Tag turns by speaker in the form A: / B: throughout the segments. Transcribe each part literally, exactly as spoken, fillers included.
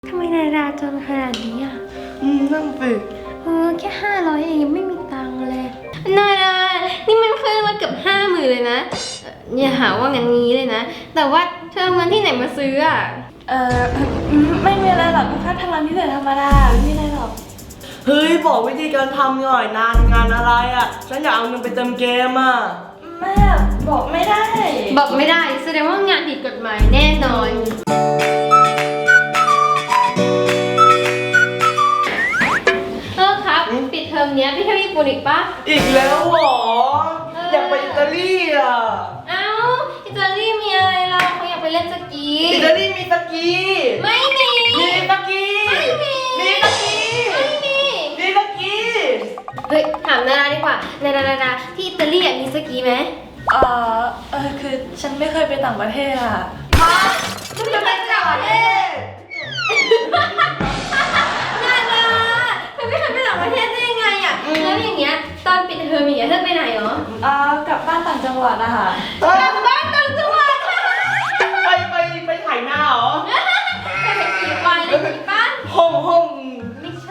A: ทำไมนายราจนขนาดนี้อ่ะ
B: อืมนั่งสิ
A: เออแค่ห้าร้อยเองยังไม่มีตังค์เลยนายรานี่มันเคยมาเกือบห้าหมื่นเลยนะเอ่ออย่าหาว่างั้นงี้เลยนะ แต่ว่าเธอเอาเงินที่ไหนมาซื้ออ่ะ
C: เออไม่มีอะไรหรอกแค่ทำงานพิเศษธรรมดาไม่มีอะไรหรอก
B: เฮ้ยบอกวิธีการทำหน่อยนานงานอะไรอ่ะฉันอยากเอาเงินไปเติมเกมอ่ะ
C: แม่บอกไม่ได้
A: บอกไม่ได้แสดงว่างานผิดกฎหมายแน่นอนเออครับปิดเทอมเนี้ยไปเที่ยวญี่ปุ่นอีกปะ
B: อีกแล้วเหรอ
A: เออ
B: อ
A: อ
B: ยากไปอิตาลีอ่ะ
A: เอ้าอิตาลีมีอะไรเราเขาอยากไปเล่นสกี
B: อิตาลีมีสกี
A: ไม่มี
B: มีสกี
A: ไม่มี
B: มีสกี
A: ไม่มี
B: มีสกี
A: เฮ้ยถามนาราดีกว่านารานาราที่อิตาลีอะมีสกีไหม
C: เออเออคือฉันไม่เคยไปต่างประเทศอ่ะ
A: คุณจะไปต่างประเทศนาราเธอไม่เคยไปต่างประเทศได้ยังไงอะแล้วอย่างเงี้ยตอนปิดเทอมอย่างเงี้ยเธอไปไหนเหรอ
C: เออกลับบ้านต่างจังหวัดอะค่ะ
B: เอ้ย
A: กลับบ้านต่างจังหวัดค่ะ
B: ไปไปไปถ่ายหน้าเหรอ
A: ไปไปขี่ควายเลยขี่บ้าน
B: ห้องห้อง
A: ไม่ใช่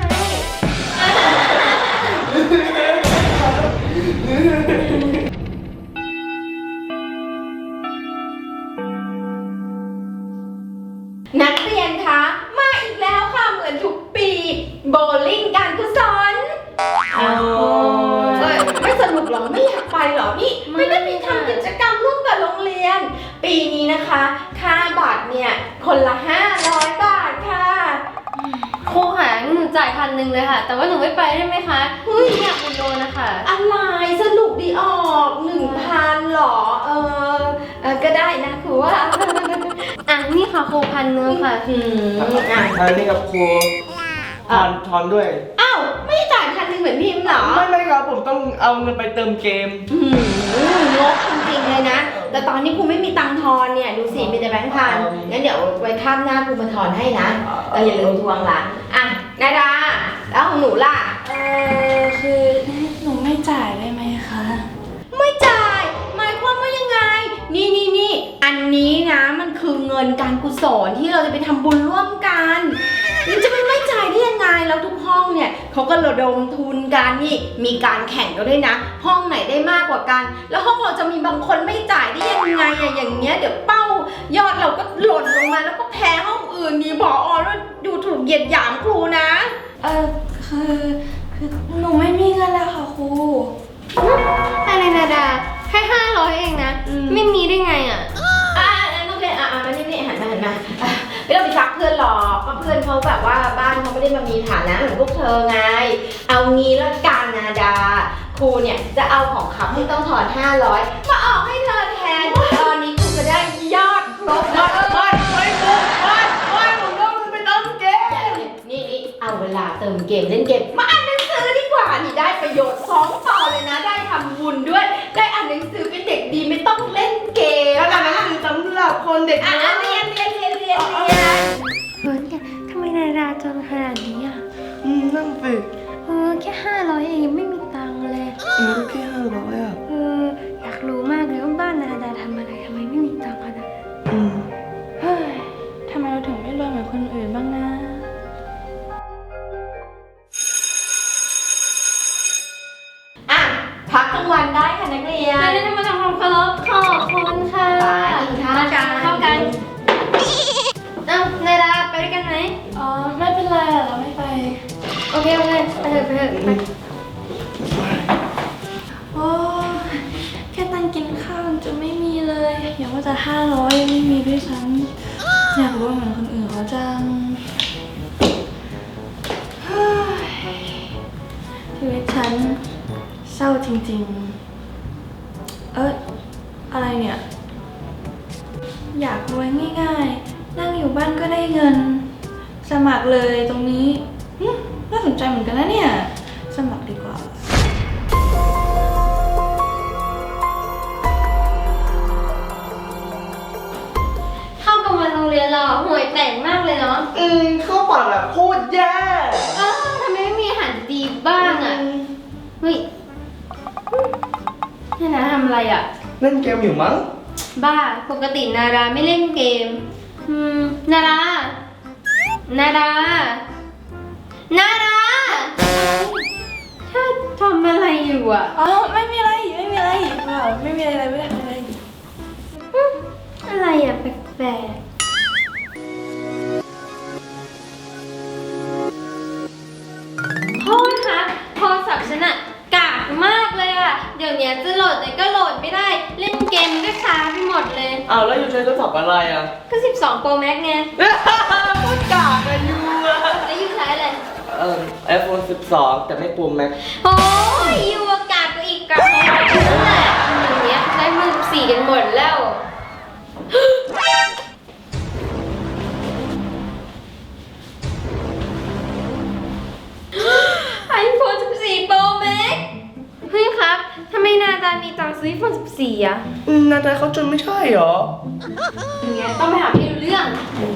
D: นักเรียนคะมาอีกแล้วค่ะเหมือนทุกปีโบลิ่งการกุศล
B: อ๋อ
D: เอ้ยไม่สนุกเหรอไม่อยากไปเหรอนี่ไม่ได้มีทำกิจกรรมร่วมกับโรงเรียน ปีนี้นะคะ ค่าบัตรเนี่ยคนละห้าร้อยบาทค่ะ
A: ครูหาหนูจ่ายพันหนึ่งเลยค่ะ แต่ว่าหนูไม่ไปได้ไหมคะหนูอยากไปโดนนะคะ
D: อะไรสนุกดีออกหนึ่งพันหรอเออเออก็ได้นะคือว่า
A: อ่ะนี่ค่ะครูพันหนึ่งค่ะ
D: อืมอ่ะ
B: อันนี้กับครูถอนถอนด้วย
D: อ้าวไม่จ่ายพันหนึ่งเหมือนพิมพ์เหรอ
B: ไม่ไม่ครับผมต้องเอาเงินไปเติมเกม
D: อืมงกจริงๆเลยนะ แต่ตอนนี้ครูไม่มีตังค์ทอนเนี่ย ดูสิมีแต่แบงค์พัน งั้นเดี๋ยวไว้ข้ามหน้าครูมาทอนให้นะแต่อย่าลืมทวงละอ่ะนาดา แล้วของหนูล่ะ
C: เออคือหนูไม่จ่ายได้ไหมคะ
D: ไม่จ่าย หมายความว่ายังไง นี่นี่นี่อันนี้นะมันคือเงินการกุศลที่เราจะไปทำบุญร่วมกันมันจะไม่ไม่จ่ายได้ยังไงแล้วทุกห้องเนี่ยเขาก็ระดมทุนกันนี่มีการแข่งกันด้วยนะ ห้องไหนได้มากกว่ากัน แล้วห้องเราจะมีบางคนไม่จ่ายได้ยังไงอะอย่างเงี้ยเดี๋ยวเป้ายอดเราก็หล่นลงมาแล้วก็แพ้ห้องอื่นมีบออแล้วดูถูกเหยียดหยามครูนะ
C: เออคือคือหนูไม่มีเงินแล้วค่ะครู
A: อะไรนาดาแค่ห้าร้อยเองนะ
D: อืม
A: ไม่มีได้ไงอ่ะ
D: อ่านักเรียนอ่ามานี่นี่หันมาหันมาอ่ะไม่ต้องไปซักเพื่อนหรอกก็เพื่อนเขาแบบว่าบ้านเขาไม่ได้มามีฐานะเหมือนพวกเธอไง เอางี้ละกันนาดา ครูเนี่ยจะเอาของขับที่ต้องถอนห้าร้อยมาออกให้เธอแทน ตอนนี้ครูจะได้ยอดครบแล้ว
B: ไม่ไม่ครูไม่ไม่ผมต้องไปเติมเกม
D: นี่นี่เอาเวลาเติมเกมเล่นเกมมาอ่านหนังสือดีกว่านี่ได้ประโยชน์สองต่อเลยนะ ได้ทำบุญด้วย ได้อ่านหนังสือเป็นเด็กดีไม่ต้องเล่นเกม
B: แล้วหนังสือสำหรับคนเด็ก
D: อ่ะ
B: นะ
D: เรียนเรียนเรียนเรียนเรียน
A: เฮ้ยทำไมนายราจนขนาดนี้อ่ะ
B: อืมนั่งสิ
A: เออแค่ห้าร้อยเองยังไม่มีตังค์เลย
B: อืมแค่ห้าร้อยอ่ะ
A: เอออยากรู้มากเลยว่าบ้านนาดาทำอะไรทำไมไม่มีตังค์ขนาดนั้น
B: อืม
C: เฮ้ยทำไมเราถึงไม่รวยเหมือนคนอื่นบ้างนะ
D: อ่ะพักกลางวันได้ค่ะนักเรียน
A: นายได้มาทำความเคารพขอบคุณค่ะ
D: ไปกินข้าวกัน
A: เข้ากันเอ้านายดาไปด้วยกันไหม
C: อ๋อไม่เป็นไรอะเราไม่ไป
A: โอเคโอเคไปเถอะไปเถอะไป
C: โอ้แค่ตังค์กินข้าวจะไม่มีเลย อย่าว่าจะห้าร้อยไม่มีด้วยซ้ำอยากรู้เหมือนคนอื่นเขาจังเฮ้ยชีวิตฉันเศร้าจริงๆ เอ้ยอะไรเนี่ย อยากรวยง่ายๆ นั่งอยู่บ้านก็ได้เงิน สมัครเลยตรงนี้หึน่าสนใจเหมือนกันนะเนี่ย สมัครดีกว่า
A: เข้ากลางวันโรงเรียนเราห่วยแตกมากเลยเนาะ
B: อืมข้าวปั่นอ่ะโคตรแย่
A: เออทำไมไม่มีอาหารดีบ้างอ่ะเฮ้ยนี่นะทำอะไรอ่ะ
B: เล่นเกมอยู่มั้ง
A: บ้าปกตินาราไม่เล่นเกม อืมนารานาดา นาดาเธอทำอะไรอยู่อ่ะ
C: อ๋อไม่มีอะไรไม่มีอะไรเปล่าไม่มีอะไรไม่ได้ทำอะไร
A: อืมอะไรอ่ะแปลกๆโทษคะโทรศัพท์ฉันอะกากมากเลยอะเดี๋ยวนี้จะโหลดไหนก็โหลดไม่ได้ เล่นเกมมันก็ช้าไปหมดเลย
B: อ้าวแล้วอยู่ใช้โทรศัพท์อะไรอ่ะ
A: ก็ สิบสอง Pro Max ไง
B: พูดกากอะยูอะ
A: แล้วยูใช้อะไร
B: เอ่อ ไอโฟน สิบสอง แต่ไม่ปูมแม็ก
A: โอ้ยยูอากาศก็อีกกับนั่นแหละอย่างเงี้ยใช้มือสี่กันหมดแล้ว ไอโฟน สิบสี่ Pro Max เฮ้ยครับทำไมนาดามีตังค์ซื้อไอโฟน สิบสี่ อะ
B: อืมนาตาเขาจนไม่ใช่เหรอ
A: อย่างเงี้ยต้องไปหาพี่รู้เรื่อง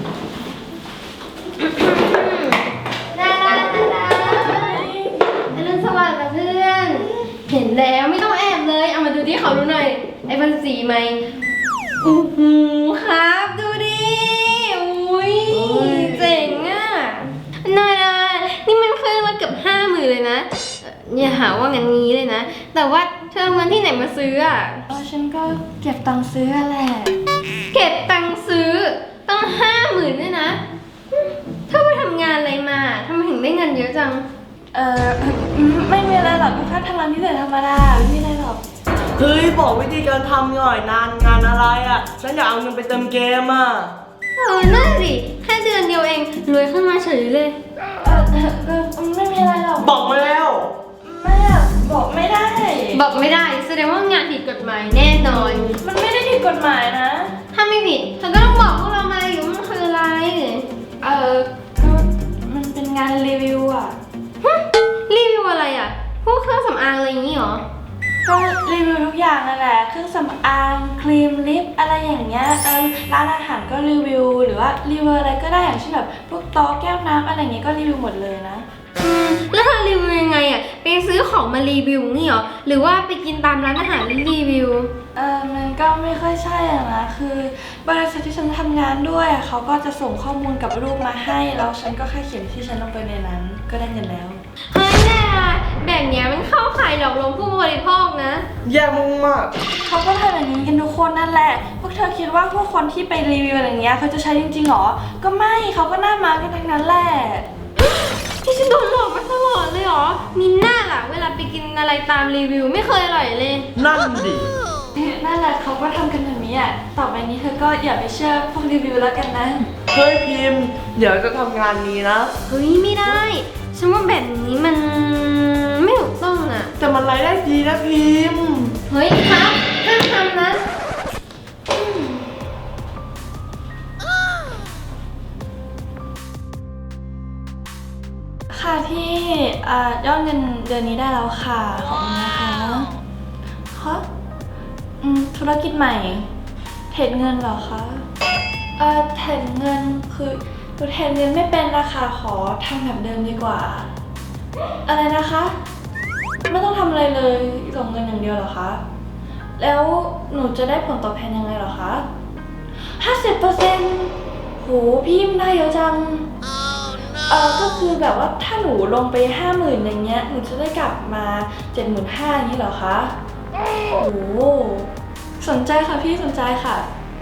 A: นาดานาดาอรุณสวัสดิ์นะเพื่อน เห็นแล้วไม่ต้องแอบเลย เอามาดูที่เขาดูหน่อยไอโฟนสี่ไหมโอ้โหครับดูดิอุ้ยเจ๋งอ่ะนาดานี่มันเครื่องละเกือบห้าหมื่นเลยนะเอ่ออย่าหาว่างั้นงี้เลยนะ แต่ว่าเธอเอาเงินที่ไหนมาซื้ออ่ะ
C: เออฉันก็เก็บตังค์ซื้อแหละ
A: เก็บตังค์ซื้อตั้งห้าหมื่นด้วยนะเธอไปทำงานอะไรมาทำไมถึงได้เงินเยอะจัง
C: เออไม่มีอะไรหรอกก็แค่ทำงานที่ไหนธรรมดาไม่มีอะไรหรอก
B: เฮ้ย บอกวิธีการทำหน่อยนานงานอะไรอ่ะ ฉันอยากเอาเงินไปเติมเกมอ่ะ
A: เออนั่นสิแค่เดือนเดียวเองรวยขึ้นมาเฉยเลย
C: เออเออไม่มีอะไรหรอก
B: บอกมาแล้ว
C: แม่บอกไม่ได้
A: บอกไม่ได้แสดงว่างานผิดกฎหมายแน่นอน
C: มันไม่ได้ผิดกฎหมายนะ
A: ถ้าไม่ผิดเธอก็ต้องบอกพวกเรามาอยู่ว่ามันคืออะไร
C: เออก็มันเป็นงานรีวิวอ่ะ
A: ฮะรีวิวอะไรอ่ะ พวกเครื่องสำอางอะไรอย่างนี้เหรอ
C: ก็รีวิวทุกอย่างนั่นแหละเครื่องสำอางครีมลิปอะไรอย่างเงี้ยเออร้านอาหารก็รีวิวหรือว่ารีวิวอะไรก็ได้อย่างเช่นแบบพวกโต๊ะแก้วน้ำอะไรอย่างเงี้ยก็รีวิวหมดเลยนะ
A: อืมแล้วเธอรีวิวยังไงอ่ะไปซื้อของมารีวิวนี่เหรอหรือว่าไปกินตามร้านอาหารแล้วรีวิว
C: เออมันก็ไม่ค่อยใช่อะนะคือบริษัทที่ฉันทำงานด้วยอะเขาก็จะส่งข้อมูลกับรูปมาให้แล้วฉันก็แค่เขียนที่ฉันลงไปในนั้นก็ได้เงินแล้ว
A: เฮ้ยแน่แบบเนี้ยมันเข้าข่ายหลอกลวงผู้บริโภคนะ
B: แย่มาก
C: เขาก็ทำอย่างนี้กันทุกคนนั่นแหละพวกเธอคิดว่าพวกคนที่ไปรีวิวอะไรเงี้ยเขาจะใช้จริงๆหรอก็ไม่เขาก็หน้ามากันทั้งนั้นแหละ
A: ที่ฉันโดนหลอกมาตลอดเลยเหรอ มีหน้าล่ะ เวลาไปกินอะไรตามรีวิวไม่เคยอร่อยเลย
B: ๆ นั่นดิ
C: นั่นแหละเขาก็ทำกันแบบนี้อ่ะต่อไปนี้เธอก็อย่าไปเชื่อพวกรีวิวแล้วกันนะ
B: เฮ้ยพิมพ์ เดี๋ยวจะทำงานนี้นะ
A: เฮ้ยไม่ได้ ฉันว่าแบบนี้มันไม่ถูกต้องอ่ะ
B: แต่มันรายได้ดีนะพิมพ์
A: เฮ้ยครับห้ามทำนะ
C: ค่ะที่อ่ายอดเงินเดือนนี้ได้แล้วค่ะขอบคุณนะคะคะอืมธุรกิจใหม่เทรดเงินเหรอคะเอ่อเทรดเงินคือหนูเทรดเงินไม่เป็นนะคะขอทำแบบเดิมดีกว่า อะไรนะคะ ไม่ต้องทำอะไรเลยส่งเงินอย่างเดียวเหรอคะแล้วหนูจะได้ผลตอบแทนยังไงเหรอคะห้าสิบเปอร์เซ็นต์โหพี่มันได้เยอะจังเออก็คือแบบว่าถ้าหนูลงไปห้าหมื่นอย่างเงี้ยหนูจะได้กลับมาเจ็ดหมื่นห้าอย่างนี้เหรอคะโอ้โหสนใจค่ะพี่สนใจค่ะ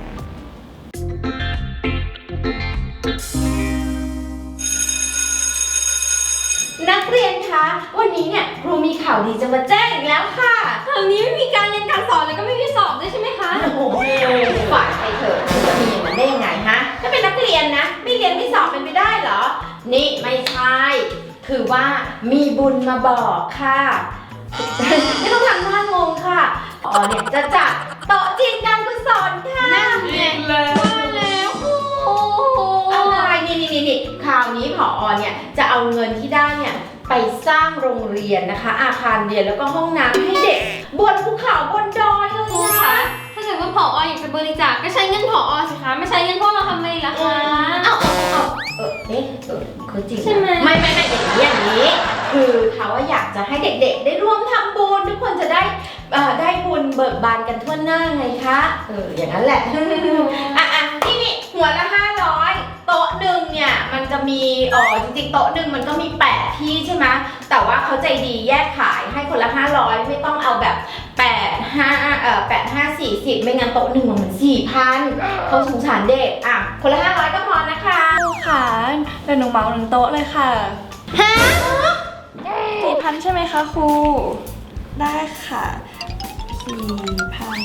D: นักเรียนคะวันนี้เนี่ยครูมีข่าวดีจะมาแจ้งอีกแล้วค่ะ
A: คราวนี้ไม่มีการเรียนการสอนแล้วก็ไม่มีสอบด้วยใช่ไหมคะ
D: โอ้โหฝ่ายไปเถอะคุณจะมีอย่างนั้นได้ยังไงฮะถ้าเป็นนักเรียนนะไม่เรียนไม่สอบเป็นไปได้เหรอ นี่ไม่ใช่คือว่ามีบุญมาบอกค่ะ ไม่ต้องทำหน้างงค่ะอ๋อเนี่ยจะจัดโต๊ะจีนการกุศลค่ะ
A: นั่นไง
B: แล้ว
A: ว่าแล้วโอ้โห
D: อะไรนี่นี่นี่นี่คราวนี้ผอเนี่ยจะเอาเงินที่ได้เนี่ยไปสร้างโรงเรียนนะคะ อาคารเรียนแล้วก็ห้องน้ำให้เด็กบนภูเขาบนดอยเลย
A: ครู
D: นะ
A: คะถ้าเกิดว่าผออยากจะบริจาคก็ใช้เงินผอสิคะไม่ใช้เงินพวกเราทำไมล่ะคะ
D: เอาเอาเอาเออเอ๊ะเออคือจริงนะ
A: ใช่ไหม
D: ไม่ไม่ไม่อย่างนี้อย่างนี้ คือเขาว่าอยากจะให้เด็กๆ ได้ร่วมทำบุญทุกคนจะได้เอ่อได้บุญเบิกบานกันทั่วหน้าไงคะเอออย่างนั้นแหละ อ่ะอ่ะนี่นี่หัวละห้าร้อยโตโต๊ะหนึ่งเนี่ยมันจะมีเออจริงๆโต๊ะหนึ่งมันก็มีแปดที่ใช่ไหมแต่ว่าเขาใจดีแยกขายให้คนละห้าร้อยไม่ต้องเอาแบบแปดห้าเอ่อแปดห้าสี่สิบไม่งั้นโต๊ะหนึ่งมันสี่พันเขาสงสารเด็กอ่ะคนละห้าร้อยก็พอนะคะ
C: ครูค่ะเดี๋ยวหนูเหมาหนึ่งโต๊ะเลยค่ะ
A: ฮะ
C: สี่พันใช่ไหมคะครู ได้ค่ะสี่พัน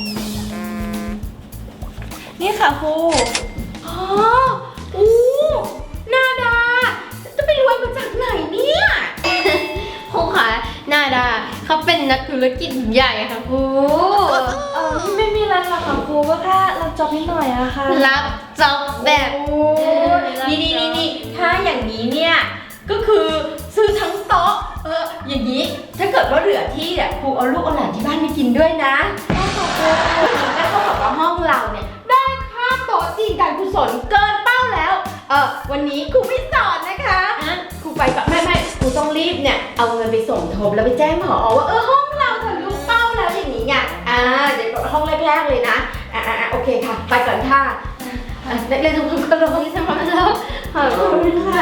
C: นี่ค่ะครู
D: อ๋ออู้นาดาจะไปรวยมาจากไหนเนี่ย
A: ครูคะนาดาเขาเป็นนักธุรกิจใหญ่ค่ะครู
C: เออไม่มีอะไรหรอกค่ะครูก็แค่รับจ็อบนิดหน่อยอะค่ะ
A: รับจ็อบแบบ
D: โอ้นี่นี่นี่นี่ถ้าอย่างนี้เนี่ยก็คือซื้อทั้งโต๊ะเอออย่างนี้ถ้าเกิดว่าเหลือที่อ่ะครูเอาลูกเอาหลานที่บ้านไปกินด้วยนะแล้วก็บอกว่าห้องเราเนี่ยได้ค่าโต๊ะจีนการกุศลเกินเป้าแล้วเออวันนี้ครูไม่สอนนะคะครูไปก่อนไม่ไม่ครูต้องรีบเนี่ยเอาเงินไปส่งทบแล้วไปแจ้งผอว่าเออห้องเราทะลุเป้าแล้วอย่างนี้ไงอ่าเดี๋ยวห้องแรกๆเลยนะอ่าอ่าโอเคค่ะไปก่อนค่ะเล่นทุกคนก็ลงที่สมองแล้วขอบคุณค่ะ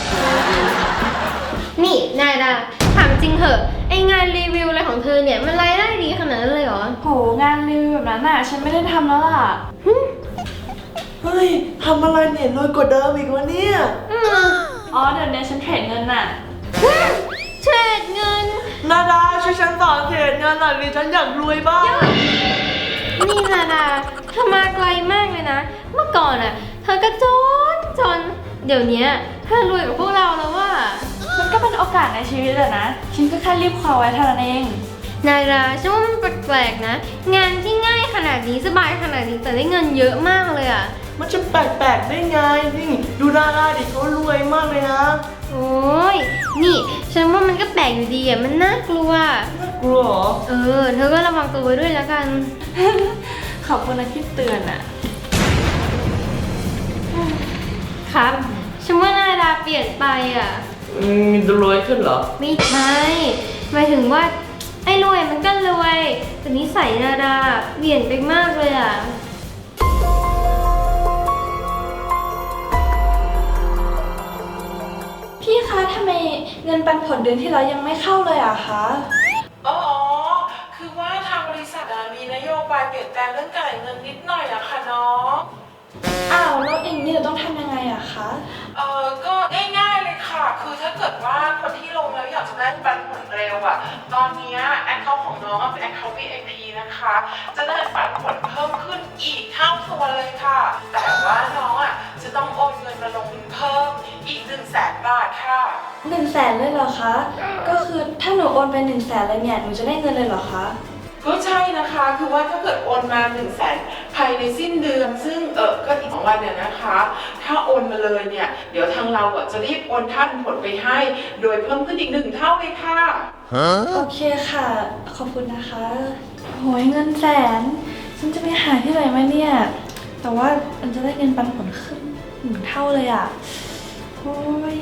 A: นี่นายดาถามจริงเหอะไองานรีวิวอะไรของเธอเนี่ยมันรายได้ดีขนาดนั้นเลยเหรอ
C: โหงานรีวิวแบบนั้นน่ะฉันไม่ได้ทำแล้วล่ะ
B: เฮ้ยทำอะไรเนี่ยรวยกว่าเดิมอีกวะเนี่ย
A: อืม
C: อ๋อเดี๋ยวนี้ฉันเทรดเงินน่ะ
A: เทรดเงิน
B: นาดาช่วยฉันสอนเทรดเงินหน่อยดิฉันอยากรวยบ้าง
A: นี่นาดาเธอมาไกลมากเลยนะ เมื่อก่อนอ่ะเธอก็จนจนเดี๋ยวนี้เธอรวยกว่าพวกเราแล้วว่า
C: มันก็เป็นโอกาสในชีวิตแหละนะ ฉันก็แค่รีบคว้าไว้เท่านั้นเอง
A: นาดาฉันว่ามันแปลกๆนะ งานที่ง่ายขนาดนี้สบายขนาดนี้แต่ได้เงินเยอะมากเลยอ่ะ
B: มันจะแปลกๆได้ไงนี่ดูดาราดิเขารวยมากเลยนะ
A: โอ้ยนี่ฉันว่ามันก็แปลกอยู่ดีอ่ะมันน่ากลัว
B: กลัวเหรอ
A: เออเธอก็ระวังตัวไว้ด้วยแล้วกัน
C: ขอบคุณนะที่เตือนอ่ะ
A: ครับฉันว่านาดาเปลี่ยนไปอ่ะ
B: อืมจะรวยขึ้นเหรอ
A: ไม่ใช่หมายถึงว่าไอ้รวยมันก็รวยแต่นิสัยนาดาเปลี่ยนไปมากเลยอ่ะ
C: พี่คะทำไมเงินปันผลเดือนที่แล้วยังไม่เข้าเลยอะคะ
E: อ๋อ คือว่าทางบริษัทอะมีนโยบายเปลี่ยนแปลงเรื่องการเงินนิดหน่อยอะค่ะน้อง
C: อ้าวแล้วอย่างนี้เราต้องทำยังไงอะคะ
E: เออก็ง่ายๆเลยค่ะ คือถ้าเกิดว่าคนที่ลงแล้วอยากจะได้ปันผลเร็วอะตอนนี้แอคเคาท์ของน้องเป็นแอคเคาท์ วี ไอ พี นะคะ จะได้ปันผลเพิ่มขึ้นอีกเท่าตัวเลยค่ะ แต่ว่าน้องอะจะต้องโอนเงินมาลงทุนเพิ่มอีกหนึ่งแสนบาทค่ะ
C: หนึ่งแสนเลยเหรอคะ ก็คือถ้าหนูโอนไปหนึ่งแสนเลยเนี่ยหนูจะได้เงินเลยเหรอคะ
E: ก็ใช่นะคะ คือว่าถ้าเกิดโอนมา1นึ่งแสนภายในสิ้นเดือน ซึ่งเออก็อีกสองวันเนี่ยนะคะ ถ้าโอนมาเลยเนี่ย เดี๋ยวทางเราอ่ะจะรีบโอนค่าผลไปให้ โดยเพิ่มขึ้นอีกหนึ่งเท่าเลยค่ะ
C: โอเคค่ะ ขอบคุณนะคะโหยเงินแสน ฉันจะไปหาที่ไหนมาเนี่ย แต่ว่ามันจะได้เงินปันผลขึ้นหนึ่งเท่าเลยอ่ะโอ้ย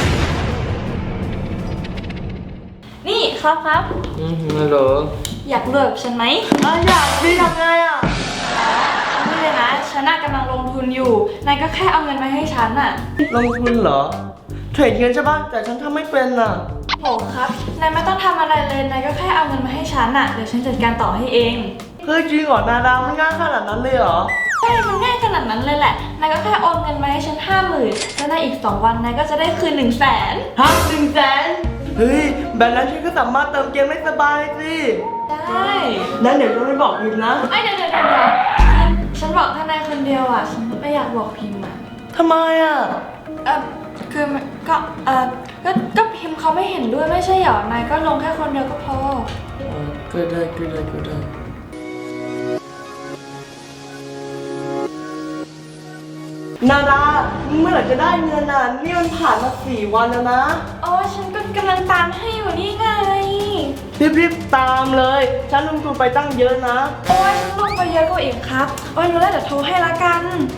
C: นี่ครับครับ
B: อืมฮัลโหล
C: อยากรวยแบบฉันไหม
B: อ่ะอยากดิทำไงอ่ะ
C: นี่เลยนะ ฉันน่ะกำลังลงทุนอยู่ นายก็แค่เอาเงินมาให้ฉันน่ะ
B: ลงทุนเหรอ เทรดเงินใช่ป่ะ แต่ฉันทำไม่เป็นอ่ะ
C: โหครับ นายไม่ต้องทำอะไรเลย นายก็แค่เอาเงินมาให้ฉันน่ะ เดี๋ยวฉันจัดการต่อให้เอง
B: เฮ้ยจริงเหรอนาดามันง่ายขนาดนั้นเลยเหรอ
C: ใช่ มันง่ายขนาดนั้นเลยแหละ นายก็แค่โอนเงินมาให้ฉันห้าหมื่นแล้วในอีกสองวันนายก็จะได้คืนหนึ่งแสน
B: ฮะหนึ่งแสนเฮ้ยแบบนั้นฉันก็สามารถเติมเกมได้สบายสิ
C: ได้
B: นั้นเดี๋ยวฉันไปบอกพิมพ์นะ
C: ไอ้ยเดี๋ยวเดี๋ยวเดี๋ยวเดี๋ยวฉันบอกแค่นายคนเดียวอ่ะ ฉันไม่อยากบอกพิมพ์อ่ะ
B: ทำไมอ่ะ
C: เออคือมันก็ เออก็ ก็พิมพ์เขาไม่เห็นด้วยไม่ใช่เหรอ นายก็ลงแค่คนเดียวก็พอ
B: ก็ได้ก็ได้ก็ได้นาดาเมื่อไหร่จะได้เงินอ่ะ นี่มันผ่านมาสี่วันแล้วนะ
C: โอ้ฉันก็กำลังตามให้อยู่นี่ไง
B: รีบๆตามเลย ฉันลงทุนไปตั้งเยอะนะ
C: โอ้ยฉันลงไปเยอะกว่าอีกครับ โอ้ยรู้แล้วเดี๋ยวโทรให้ละกัน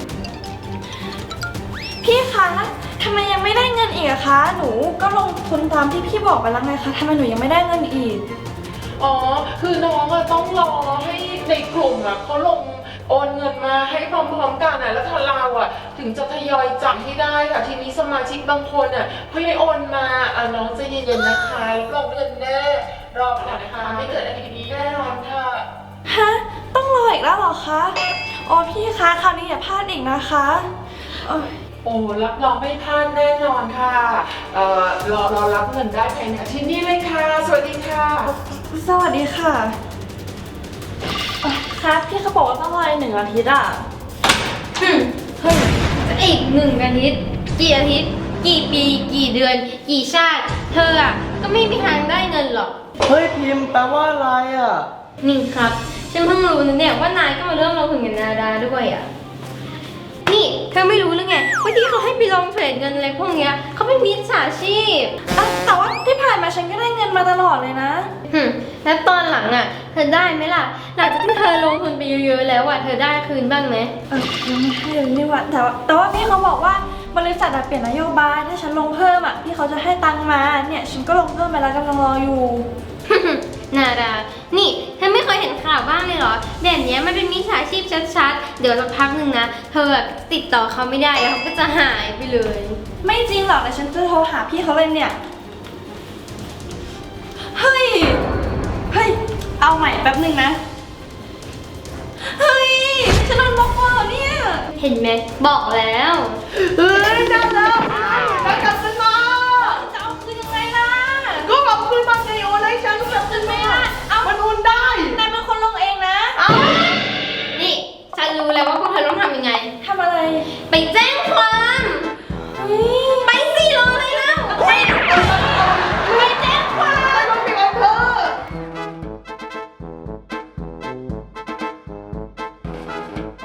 C: พี่คะทำไมยังไม่ได้เงินอีกอะคะ หนูก็ลงทุนตามที่พี่บอกไปแล้วไงคะทำไมหนูยังไม่ได้เงินอีก
E: อ๋อ คือน้องอะต้องรอให้ในกลุ่มอะเขาลงโอนเงินมาให้พร้อมๆกันนะแล้วทางเราอ่ะถึงจะทยอยจ่ายให้ได้ค่ะทีนี้สมาชิกบางคนอ่ะเพิ่งได้โอนมาอ่ะน้องใจเย็นๆนะคะรับรองเงินแน่รอก่อนนะคะไม่เกิดอะไรดีๆแน่นอนค่ะ
C: ฮะ ต้องรออีกแล้วเหรอคะ โอ้พี่คะคราวนี้อย่าพลาดอีกนะคะโอ้ย
E: โอ้รับรองไม่พลาดแน่นอนค่ะเอ่อรอรอรับเงินได้ภายในอาทิตย์นี้เลยค่ะสวัสดีค่ะ
C: สวัสดีค่ะเอ่อครับพี่เขาบอกว่าต้องรออีกหนึ่งอาทิตย์อ่ะ
A: อืมเฮ้ยอีกหนึ่งอาทิตย์กี่อาทิตย์ กี่ปี กี่เดือน กี่ชาติ เธออ่ะก็ไม่มีทางได้เงินหรอก
B: เฮ้ยพิมพ์แปลว่าอะไรอ่ะ
A: นี่ครับ ฉันเพิ่งรู้นะเนี่ยว่านายก็มาเริ่มลงทุนกับนาดาด้วยอ่ะ นี่เธอไม่รู้หรือไงว่าที่เขาให้ไปลงเทรดเงินอะไรพวกเนี้ยเขาเป็นมิจฉาชีพ
C: อ่ะแต่ว่าที่ผ่านมาฉันก็ได้เงินมาตลอดเลยนะ
A: หึแล้วตอนหลังอ่ะ เธอได้ไหมล่ะ หลังจากที่เธอลงทุนไปเยอะๆแล้วอ่ะ เธอได้คืนบ้างไหม
C: เออยังไม่ให้เลยนี่หว่าแต่ว่าแต่ว่าพี่เขาบอกว่าบริษัทอะเปลี่ยนนโยบายถ้าฉันลงเพิ่มอ่ะพี่เขาจะให้ตังค์มาเนี่ยฉันก็ลงเพิ่มไปแล้วกำลังรออยู่
A: นาดา นี่เธอไม่เคยเห็นข่าวบ้างเลยเหรอ แบบเนี้ยมันเป็นมิจฉาชีพชัดๆ เดี๋ยวสักพักหนึ่งนะ เธอแบบติดต่อเขาไม่ได้แล้วเขาก็จะหายไปเลย
C: ไม่จริงหรอกแต่ฉันจะโทรหาพี่เขาเลยเนี่ย เฮ้ย เฮ้ย เอาใหม่แป๊บหนึ่งนะ เฮ้ย ฉันโดนบล็อกเวอร์เนี่ย
A: เห็นไหมบอกแล้ว
B: เฮ้ยได้แล้วได้กลับคืนมา
C: จะเอาคืนยังไงล่ะ
B: ก็กลับคืนมาไงโอนให้ฉันก็กลับคืนมามันโอนได้
C: นายเป็นคนลงเองนะ
B: เอ้า
A: นี่ฉันรู้แล้วว่าพวกเธอต้องทำยังไง
C: ทำอะไร
A: ไปแจ้งความ
C: เฮ้ย